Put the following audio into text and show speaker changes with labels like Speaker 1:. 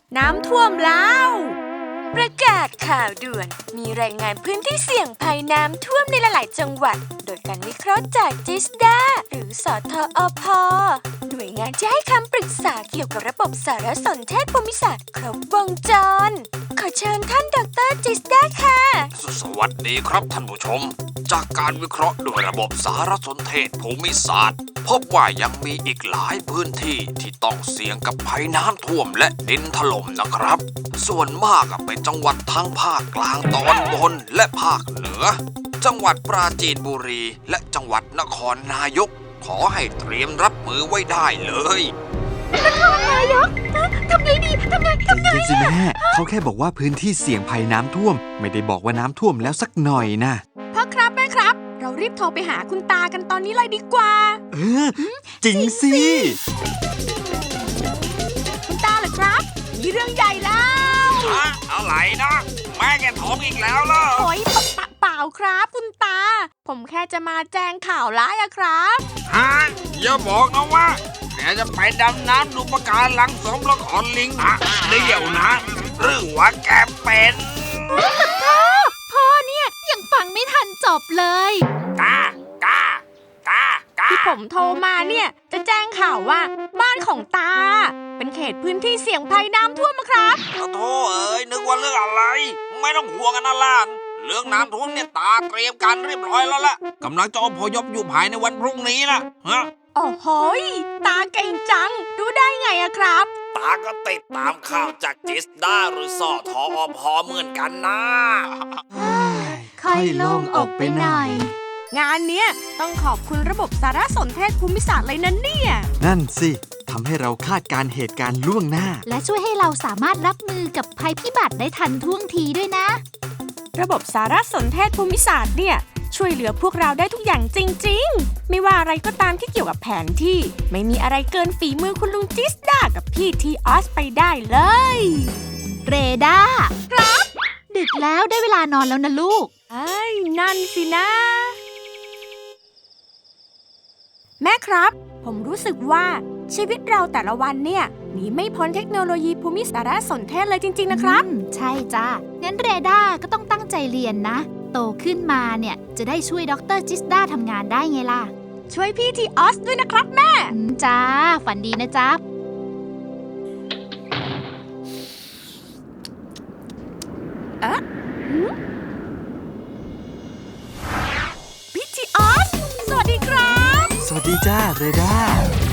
Speaker 1: น้ำท่วมแล้วประกาศข่าวด่วนมีรายงานพื้นที่เสี่ยงภัยน้ำท่วมในหลายๆจังหวัดโดยการวิเคราะห์จากจิสดาหรือสทอพหน่วยงานที่ให้คำปรึกษาเกี่ยวกับระบบสารสนเทศภูมิศาสตร์ครบวงจรขอเชิญท่านดร.จิสดาค่ะ
Speaker 2: สวัสดีครับท่านผู้ชมจากการวิเคราะห์ด้วยระบบสารสนเทศภูมิศาสตร์พบว่ายังมีอีกหลายพื้นที่ที่ต้องเสี่ยงกับภัยน้ำท่วมและดินถล่มนะครับส่วนมากเป็นจังหวัดทั้งภาคกลางตอนบนและภาคเหนือจังหวัดปราจีนบุรีและจังหวัดนครนายกขอให้เตรียมรับมือไว้ได้เลย
Speaker 1: นครนายกทำไงดีทำไง
Speaker 3: สิแม่เขาแค่บอกว่าพื้นที่เสี่ยงภัยน้ำท่วมไม่ได้บอกว่าน้ำท่วมแล้วสักหน่อยนะ
Speaker 1: พ่อครับแม่ครับเรารีบโทรไปหาคุณตากันตอนนี้เลยดีกว่า
Speaker 3: จริงสิ
Speaker 1: คุณตาเหรอครับมีเรื่องใหญ่แล้ว
Speaker 2: อะไรนะแม่แกท้องอีกแล้วเหรอ
Speaker 1: โอ๊ยเปล่าครับคุณตาผมแค่จะมาแจ้งข่าวร้ายอะครับ
Speaker 2: อย่าบอกนะว่าแกจะไปดำน้ำดูปะการังสมละครลิงเดี๋ยวนะหรือว่าแกเป็น
Speaker 1: พ่อเนี่ยยังฟังไม่ทันจบเลย
Speaker 2: กา
Speaker 1: ที่ผมโทรมาเนี่ยจะแจ้งข่าวว่าบ้านของตาเป็นเขตพื้นที่เสี่ยงภัยน้ำท่วมครับ
Speaker 2: โธ่นึกว่าเรื่องอะไรไม่ต้องห่วงกันนะล่ะเรื่องน้ำท่วมเนี่ยตาเตรียมการเรียบร้อยแล้วล่ะกำลังจะอพยพอยู่ภายในวันพรุ่งนี้นะ
Speaker 1: โอ้โหตาเก่งจังรู้ได้ไงอะครับ
Speaker 2: ตาก็ติดตามข่าวจากจิสดาหรือสทอพเหมือนกันนะ
Speaker 3: ค่อยโล่งอกไปหน่อย
Speaker 1: งานเนี้ยต้องขอบคุณระบบสารสนเทศภูมิศาสตร์เลยนะเนี่ย
Speaker 3: นั่นสิทำให้เราคาดการเหตุการณ์ล่วงหน้า
Speaker 4: และช่วยให้เราสามารถรับมือกับภัยพิบัติได้ทันท่วงทีด้วยนะ
Speaker 1: ระบบสารสนเทศภูมิศาสตร์เนี่ยช่วยเหลือพวกเราได้ทุกอย่างจริงๆไม่ว่าอะไรก็ตามที่เกี่ยวกับแผนที่ไม่มีอะไรเกินฝีมือคุณลุงจิสดากับพี่ทีออสไปได้เลย
Speaker 4: เรดาครับดึกแล้วได้เวลานอนแล้วนะลูก
Speaker 1: นั่นสินะแม่ครับผมรู้สึกว่าชีวิตเราแต่ละวันเนี่ยหนีไม่พ้นเทคโนโลยีภูมิสารสนเทศเลยจริงๆนะครับ
Speaker 4: ใช่จ้างั้นเรดาก็ต้องตั้งใจเรียนนะโตขึ้นมาเนี่ยจะได้ช่วยดร.จิสดาทำงานได้ไงล่ะ
Speaker 1: ช่วยพี่ทีออสด้วยนะครับแม่
Speaker 4: จ้าฝันดีนะจ๊ะ
Speaker 1: พี่ทีออสสวัสดีครับ
Speaker 3: สวัสดีจ้าเรดา